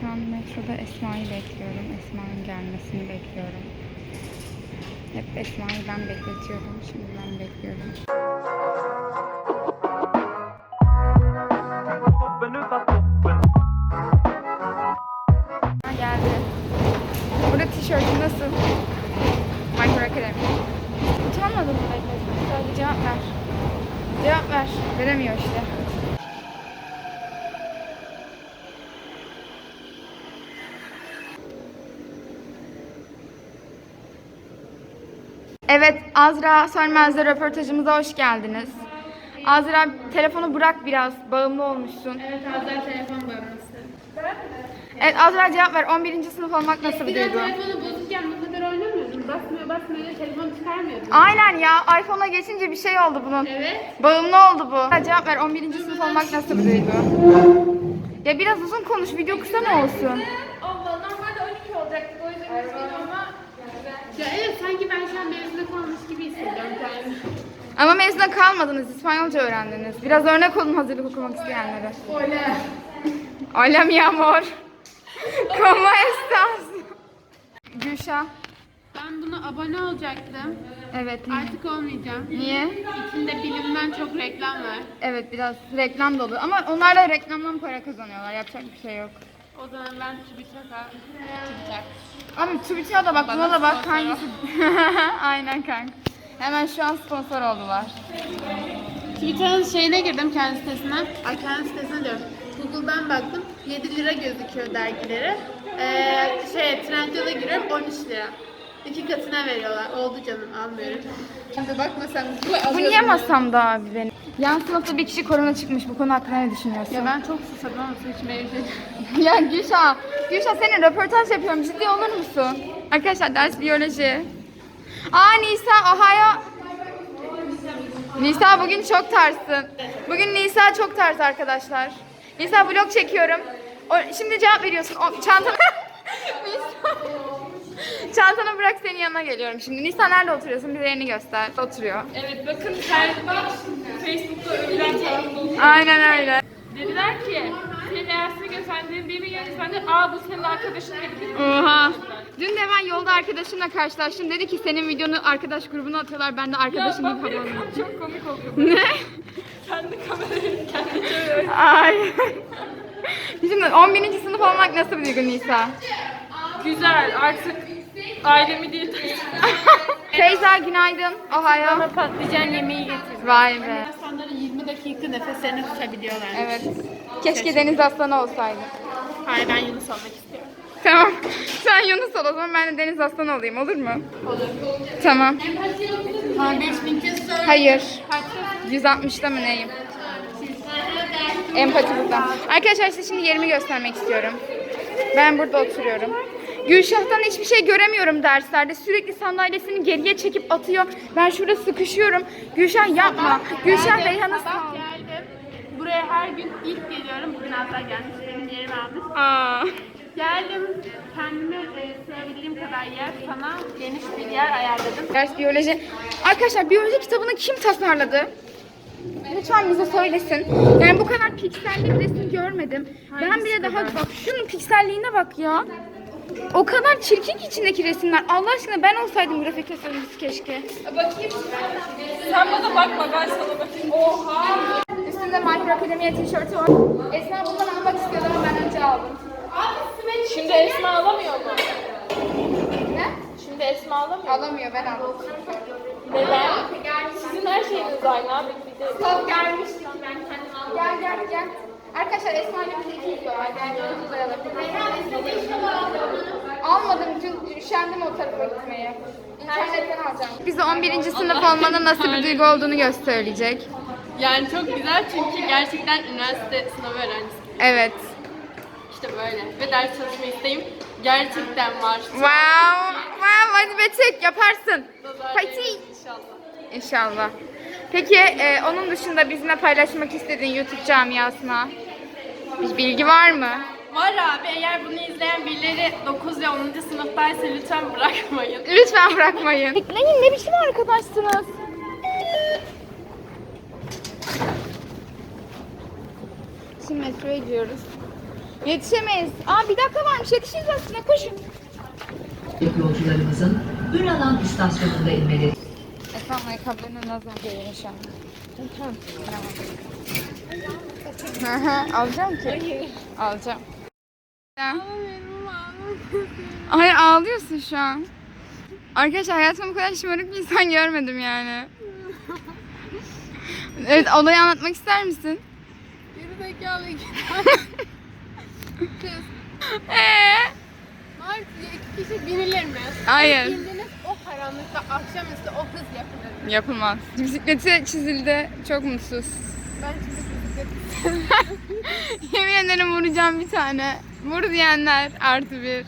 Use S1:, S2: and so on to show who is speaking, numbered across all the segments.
S1: Şu an metroda Esma'yı bekliyorum. Esma'nın gelmesini bekliyorum. Hep Esma'yı ben bekletiyorum. Şimdi ben bekliyorum. Geldi. Burada tişörtüm nasıl? My Hero Academy. Utanmadın mı bekletmek? Sadece cevap ver. Cevap ver. Veremiyor işte. Evet, Azra Sönmez'le röportajımıza hoş geldiniz. Azra, telefonu bırak biraz, bağımlı olmuşsun.
S2: Evet, Azra telefon bağımlısı.
S1: Evet, Azra cevap ver. 11. sınıf olmak nasıl bir duygu?
S2: Telefonu bozukken bu kadar oynamıyordum. Basmıyor, telefonu çıkarmıyordum.
S1: Aynen ya, iPhone'a geçince bir şey oldu bunun.
S2: Evet.
S1: Bağımlı oldu bu. Cevap ver, 11. sınıf olmak nasıl bir duygu? Ya biraz uzun konuş, video kısa mı olsun?
S2: Allah, normalde 12 olacaktı. O yüzden üzgünüm ama... Ya evet, sanki ben şu an mezuna kalmış gibi hissediyorum kendimi.
S1: Ama mezuna kalmadınız, İspanyolca öğrendiniz. Biraz örnek olun hazırlık okumak isteyenlere.
S2: Öyle.
S1: Hola mi amor. ¿Cómo estás? Gülşah.
S2: Ben buna abone olacaktım.
S1: Evet.
S2: Artık olmayacağım.
S1: Niye?
S2: İçinde bilimden çok reklam var.
S1: Evet, biraz reklam dolu ama onlar da reklamdan para kazanıyorlar. Yapacak bir şey yok.
S2: O zaman ben TÜBİTAK'a çıkacak.
S1: Ama TÜBİTAK'a da bak, buna da bak
S2: sponsor
S1: hangisi. Aynen kanka. Hemen şu an sponsor oldular.
S2: TÜBİTAK'ın şeyine girdim, kendi sitesine. Kendi sitesine diyorum. Google'dan baktım. 7 lira gözüküyor dergileri. Trendyol'a giriyorum 13 lira. 2 katına veriyorlar. Oldu canım, almıyorum. Şimdi bakma sen.
S1: Bu niye masamda abi benim? Yan sınıfta bir kişi korona çıkmış. Bu konu hakkında ne düşünüyorsun?
S2: Ya ben çok susadım ama su içmeye
S1: Ya Gülşah senin röportaj yapıyorum. Ciddi olur musun? Arkadaşlar ders biyoloji. Nisa, Ohio. Nisa bugün çok tarsın. Bugün Nisa çok ters arkadaşlar. Nisa vlog çekiyorum. Şimdi cevap veriyorsun. Çantanı... Çantanı bırak, senin yanına geliyorum şimdi. Nisa nerede oturuyorsun? Bir yerini göster. Oturuyor.
S2: Evet, bakın Facebook'ta övülen tarafta oturuyor.
S1: Aynen öyle.
S2: Dediler ki, senin dersine gösterdiğin birini görünce ben de bu senin arkadaşın dedi.
S1: Oha. Dün de ben yolda arkadaşımla karşılaştım. Dedi ki senin videonu arkadaş grubuna atıyorlar. Ben de arkadaşım gibi havalanıyorum.
S2: Çok komik oldu.
S1: Ne?
S2: Kendi kamerayı kendi çeviriyor.
S1: Ay. Şimdi 11. sınıf olmak nasıl bir duygu Nisa?
S2: Güzel, artık ailemi değil.
S1: Feyza günaydın. Ohio.
S2: Bana patlıcan yemeği getirdim.
S1: Vay be.
S2: İnsanların 20 dakika nefeslerini tutabiliyorlar.
S1: Evet. Keşke deniz aslanı olsaydı.
S2: Hayır, ben Yunus olmak istiyorum.
S1: Tamam. Sen Yunus ol o zaman, ben de deniz aslanı olayım, olur mu?
S2: Olur.
S1: Tamam.
S2: 5000 kez söyle.
S1: Hayır.
S2: Kaçta?
S1: 160'da mı neyim? Empati burada. Arkadaşlar size şimdi yerimi göstermek istiyorum. Ben burada oturuyorum. Gülşah'tan hiçbir şey göremiyorum derslerde. Sürekli sandalyesini geriye çekip atıyor. Ben şurada sıkışıyorum. Gülşah yapma. Gülşah Reyhan'a sağ ol.
S2: Geldim. Buraya her gün ilk geliyorum. Bugün hatta gelmiş. Benim yerimi almış.
S1: Aa.
S2: Geldim. Kendime sığabildiğim kadar yer, sana geniş bir yer ayarladım.
S1: Ders biyoloji. Arkadaşlar biyoloji kitabını kim tasarladı? Lütfen bize söylesin. Yani bu kadar pikselli bir resim görmedim. Ben bile daha bak şunun pikselliğine bak ya. O kadar çirkin ki içindeki resimler. Allah aşkına ben olsaydım grafik tasarımcısı keşke.
S2: Bakayım. Sen bana bakma, ben sana bakayım. Oha!
S1: Üstünde My Hero Academia tişörtü var. Esma bundan almak istiyordu ama ben önce aldım.
S2: Şimdi Esma alamıyor mu?
S1: Ne?
S2: Şimdi Esma alamıyor mu?
S1: Alamıyor, ben aldım.
S2: Neden? Sizin her şeyiniz aynı abi. Bir de...
S1: Çok gelmiştik, ben kendim aldım. Gel. Arkadaşlar Esma ile bize 200 dolar. Gel uzayalım. Almadım, dün üşendim o tarafa gitmeye. İnternetten alacağım. Bize 11. sınıf olmanın nasıl bir duygu olduğunu söyleyecek.
S2: Yani çok güzel çünkü gerçekten üniversite sınavı öğrencisi.
S1: Evet.
S2: İşte böyle. Ve ders çalışma isteğim gerçekten var.
S1: Wow, hadi Betek yaparsın. Hadi.
S2: İnşallah.
S1: İnşallah. Peki onun dışında bizimle paylaşmak istediğin YouTube camiasına bir bilgi var mı?
S2: Var abi, eğer bunu izleyen birileri 9 ve 10. sınıftaysa lütfen bırakmayın.
S1: Lütfen bırakmayın. Bekleyin, ne biçim arkadaşsınız? Şimdi metroya gidiyoruz. Yetişemeyiz. Aa bir dakika varmış. Yetişiriz aslında. Koşun.
S3: Yolcularımızın Ünalan istasyonunda inmeleri.
S1: Efendim ayakkabılarını nazar değiyor şu an. Tamam. Alacağım ki. Hayır. Alacağım. Hayır ağlıyorsun şu an. Arkadaşlar hayatımda bu kadar şımarık bir insan görmedim yani. Evet olayı anlatmak ister misin?
S2: Gerizekalı iki kız. Var iki kişi binilir mi?
S1: Hayır.
S2: Bindiniz o karanlıkta akşamüstü o hız yapılır mı?
S1: Yapılmaz. Bisikleti çizildi. Çok mutsuz.
S2: Ben şimdi bisiklet
S1: Yemin ederim vuracağım bir tane. Vur diyenler +1.
S2: dönerim.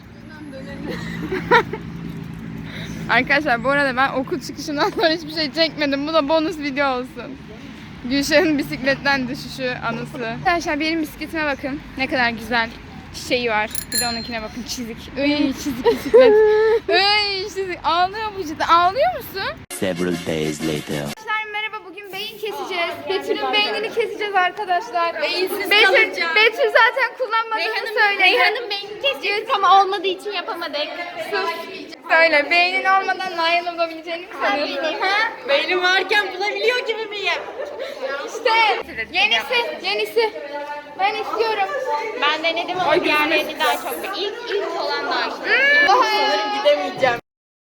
S1: Arkadaşlar bu arada ben okul çıkışından sonra hiçbir şey çekmedim. Bu da bonus video olsun. Gülşah'ın bisikletten düşüşü anısı. Arkadaşlar benim bisikletime bakın. Ne kadar güzel çiçeği var. Bir de onunkine bakın çizik. Iy çizik bisiklet. Iy çizik. Ağlıyor bu cidden. Ağlıyor musun?
S4: Several days later.
S1: Arkadaşlar merhaba. Bugün beyin keseceğiz. Betül'ün beynini keseceğiz arkadaşlar.
S2: Beyinsiz
S1: Betül,
S2: kalacağım.
S1: Betül zaten kullanmadığını söyledi.
S2: Reyhan'ın beynini kesecektik ama olmadığı için yapamadık.
S1: Sus. Söyle beynin olmadan Nail olabileceğini mi sanıyorsun? Ha?
S2: Beynim varken bulabiliyor gibi miyim?
S1: İşte yenisi. Ben istiyorum.
S2: Ben denedim ama diğerlerini daha çok. İlk olan daha işte.
S1: Sanırım
S2: gidemeyeceğim.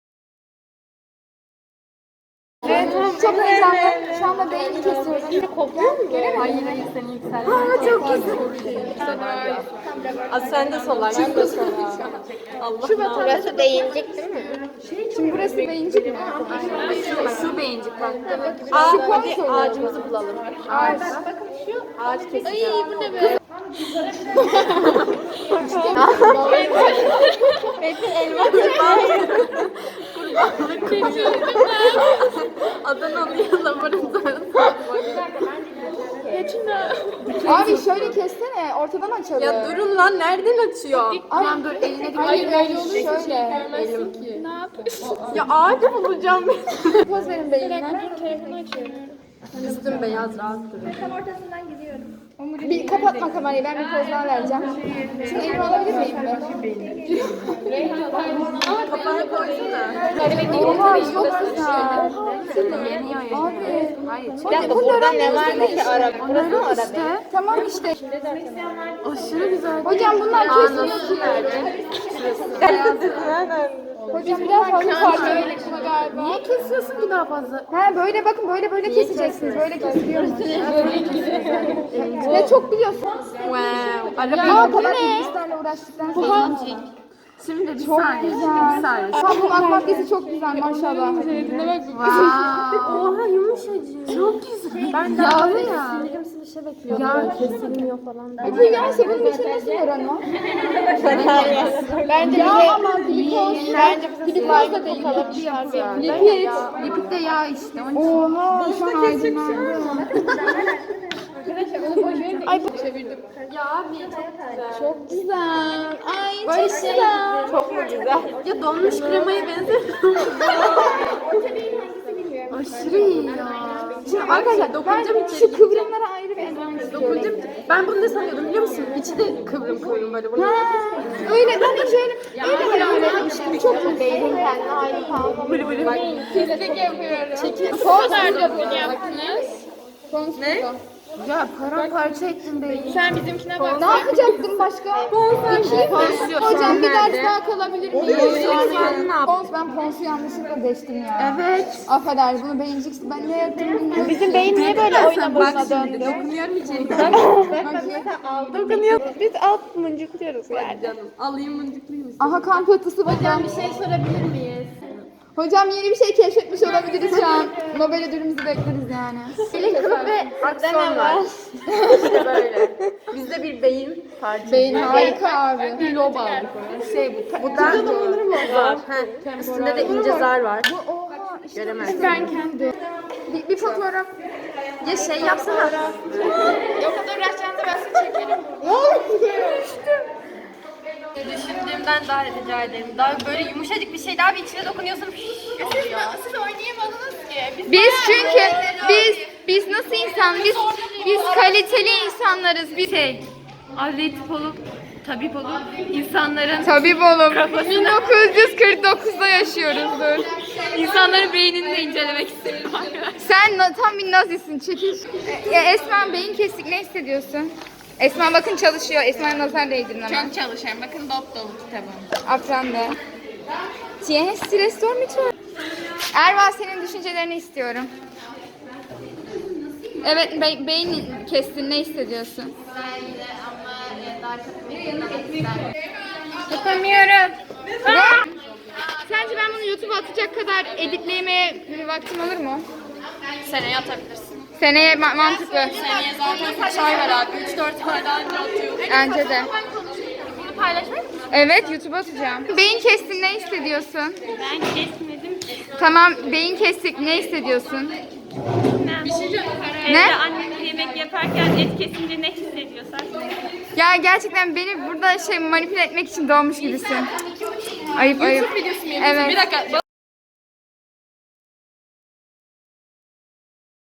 S1: Evet, çok heyecanlı. Şu anda beyni kesiyoruz.
S2: Kopuyor mu? Hayır seni yükseldi. Aa çok güzel. Sen de sola. Ben de sola. Allah. Burası beyincik değil mi?
S1: Şimdi burası beyincik mi?
S2: Şu beyincik bak.
S1: Hadi
S2: ağacımızı bulalım.
S1: Ağaç.
S2: Ağaç keseceğim. Ay bu ne be? Metin elma Adanalı yazamarım
S1: Abi şöyle kessene, ortadan açalım.
S2: Ya durun lan nereden açıyor?
S1: Tamam dur eline dikkat. Hayır öyle olur şöyle.
S2: Elim. Ne yapıyorsun? Ya ağaç bulacağım ben.
S1: Poz verin beynine.
S2: Üstüm beyaz rahat durun.
S1: Bir kapatma kamerayı, ben bir poz daha vereceğim. Şimdi elimi alabilir miyim ben?
S2: Kafana koysana.
S1: Oha çok güzel.
S2: Yeniyor ya.
S1: Abi.
S2: Hayır.
S1: Bu burada ne var ki araba? Burası mı araba? Tamam işte.
S2: Aşırı güzel.
S1: Hocam bunlar kesmiyor ki. Hocam biraz fazla parça galiba.
S2: Niye kesiyorsun ki daha fazla?
S1: He böyle bakın böyle keseceksiniz. Böyle kesiliyormuş. Ne çok biliyorsun.
S2: Wow.
S1: Ya bu ne? İşlerle uğraştıktan sonra.
S2: Şimdi bir
S1: Çok
S2: saniye.
S1: güzel.
S2: Bir saniye.
S1: Kabuğun akmakyası çok güzel maşallah.
S2: Oha yumuşacık. Çok güzel. Ben de
S1: Yağlı ya.
S2: ya kesilmiyor falan.
S1: Bu yağsa bunun içine nasıl var ama? Bence yağ ama glikoz. Bence glikoz da değil. Lipid.
S2: Lipid de yağ işte.
S1: Oha şu an aydınlandı. Ay bu
S2: Çevirdim. Ya bir çok güzel.
S1: çok güzel. Ay çok güzel.
S2: Çok mu güzel? Ya donmuş kremaya benziyor. Aşırı iyi ya. Şimdi arkadaşlar dokunacağım
S1: Ben
S2: içeri
S1: şu
S2: gidecek.
S1: kıvrımlara ayrı bir eldiven istiyorum.
S2: Dokunacağım. Ben bunu ne sanıyordum biliyor musun? İçi de kıvrım böyle. Bunu.
S1: Ha, öyle ben de öyle hayal etmiştim. Çok iyi.
S2: Beynin kendine ayrı kalmalı. Bak,
S1: Pislik yapıyorum.
S2: çekil.
S1: Ne?
S2: Ya paramparça ettin beyni.
S1: Sen bizimkine bak. Ne yapacaktın başka?
S2: Ponsiyon.
S1: Hocam bir ders
S2: Nerede?
S1: daha kalabilir miyim? Ben ponsu yanlışlıkla deştim ya.
S2: Evet.
S1: Affeder bunu beyincik ben ne yaptım bilmiyorum.
S2: Bizim beyin niye böyle oyuna boşuna döndü? Dokunuyorum içeri. Dokunuyor. Biz alt mıncıklıyoruz yani. Canım. Alayım mıncıklayayım mısın?
S1: Aha kan pıhtısı hocam.
S2: Bir şey sorabilir miyiz?
S1: Hocam yeni bir şey keşfetmiş olabiliriz şu an. Nobel ödülümüzü bekleriz yani.
S2: Kılık ve akson var. İşte böyle. Bizde bir beyin parçası.
S1: Beyin harika abi.
S2: Bir lob aldık ona. Bu da zar. Üstünde de ince zar var.
S1: Oha işte
S2: Göremezsin.
S1: ben kendi. Bir fotoğraf.
S2: Ya şey yapsana.
S1: Yok kadar uğraşacağınızı ben size çekerim.
S2: Düşündüğümden daha rica ederim. Daha böyle yumuşacık bir şey daha bir içine dokunuyorsun.
S1: Siz oynayamadınız ki. Biz çünkü biz nasıl insan? Biz kaliteli insanlarız. Biz
S2: Atletik olup
S4: tabip olup insanların
S1: Tabip oğlum. 1949'da yaşıyoruzdur.
S4: insanların beynini de incelemek istiyorum arkadaşlar.
S1: Sen tam bir nazisin. Çekil. Esma beyin kesik ne hissediyorsun? Esma bakın çalışıyor. Esma'ya nazar değdirin ama.
S4: Çok çalışıyorum. Bakın dop dolu kitabım.
S1: Afran da. Tienes stres mi tu? Erva senin düşüncelerini istiyorum. Evet beyin kestin ne hissediyorsun? Yapamıyorum. Ne? Sence ben bunu YouTube'a atacak kadar editleyemeye bir vaktim olur mu?
S4: Seneye atabilirsin.
S1: Seneye mantıklı.
S4: Seneye zaten kaç ay var abi? 3-4 ay daha önce atıyor.
S1: Bence de.
S4: Bunu paylaşmayı mı?
S1: Evet YouTube'a atacağım. Beyin kestin ne hissediyorsun?
S4: Ben kesmedim ki.
S1: Tamam beyin kestik ne hissediyorsun?
S4: Evde
S1: Ne?
S4: annem yemek yaparken et kesince ne hissediyorsan.
S1: Ya gerçekten beni burada manipüle etmek için doğmuş gibisin. Ayıp ayıp.
S4: videosu mu
S1: Evet.
S4: Bir dakika